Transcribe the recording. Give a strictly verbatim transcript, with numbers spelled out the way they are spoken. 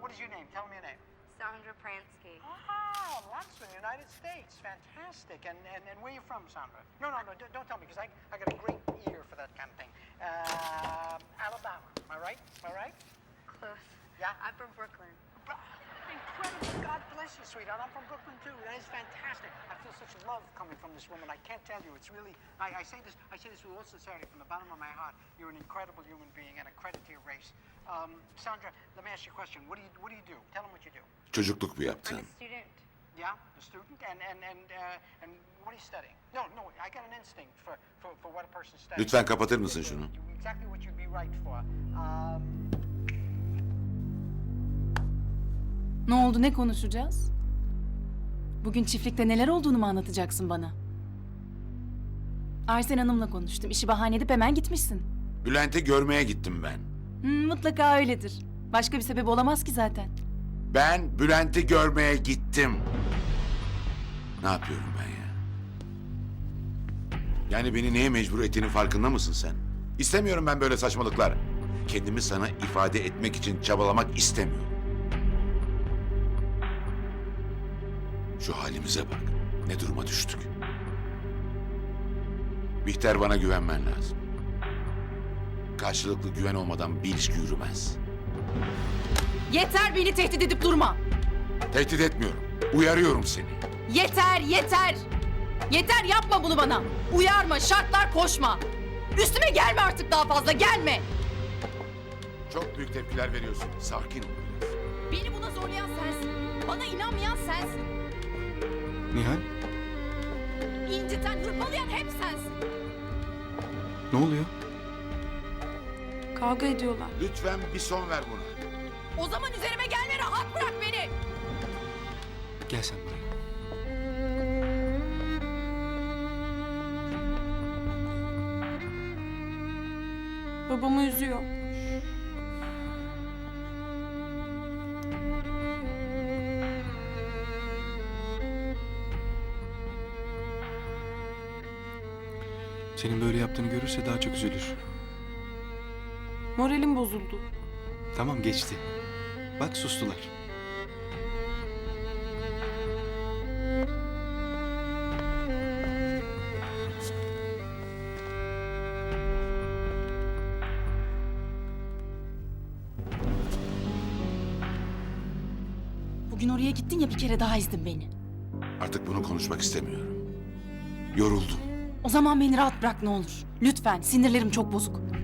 what is your name? Tell me your name. Sandra Pransky. Ah, Lansman, United States. Fantastic. And, and, and where are you from, Sandra? No, no, no, don't, don't tell me, because I, I got a great ear for that kind of thing. Uh, Alabama. Am I right? Am I right? Close. Yeah? I'm from Brooklyn. Incredible. God bless you, sweetheart. I'm from Brooklyn, too. That is fantastic. I feel such love coming from this woman. I can't tell you. It's really... I, I say this I say this with all sincerity from the bottom of my heart. You're an incredible human being and a credit to your race. Um, Sandra, let me ask you a question. What do you, what do, you do? Tell them what you do. Çocukluk bu I'm yaptığın. a student. Yeah? A student? And, and, and, uh, and what are you studying? No, no, I got an instinct for, for, for what a person studies. Lütfen kapatır mısın şunu? Exactly what you'd be right for. Um, Ne oldu, ne konuşacağız? Bugün çiftlikte neler olduğunu mu anlatacaksın bana? Arsen Hanım'la konuştum. İşi bahane edip hemen gitmişsin. Bülent'i görmeye gittim ben. Hmm, mutlaka öyledir. Başka bir sebep olamaz ki zaten. Ben Bülent'i görmeye gittim. Ne yapıyorum ben ya? Yani beni neye mecbur ettiğinin farkında mısın sen? İstemiyorum ben böyle saçmalıklar. Kendimi sana ifade etmek için çabalamak istemiyorum. Şu halimize bak. Ne duruma düştük. Bihter, bana güvenmen lazım. Karşılıklı güven olmadan bir ilişki yürümez. Yeter, beni tehdit edip durma. Tehdit etmiyorum. Uyarıyorum seni. Yeter, yeter. Yeter, yapma bunu bana. Uyarma, şartlar koşma. Üstüme gelme artık daha fazla, gelme. Çok büyük tepkiler veriyorsun. Sakin ol. Beni buna zorlayan sensin. Bana inanmayan sensin. Nihal, İnciten, hırpalayan hep sensin. ne oluyor? Kavga ediyorlar. Lütfen bir son ver buna. O zaman üzerime gelme, rahat bırak beni. Gel sen buraya. Babamı üzüyor. Senin böyle yaptığını görürse daha çok üzülür. Moralim bozuldu. Tamam, geçti. Bak, sustular. Bugün oraya gittin ya, bir kere daha ezdin beni. Artık bunu konuşmak istemiyorum. Yoruldum. O zaman beni rahat bırak ne olur. Lütfen, sinirlerim çok bozuk.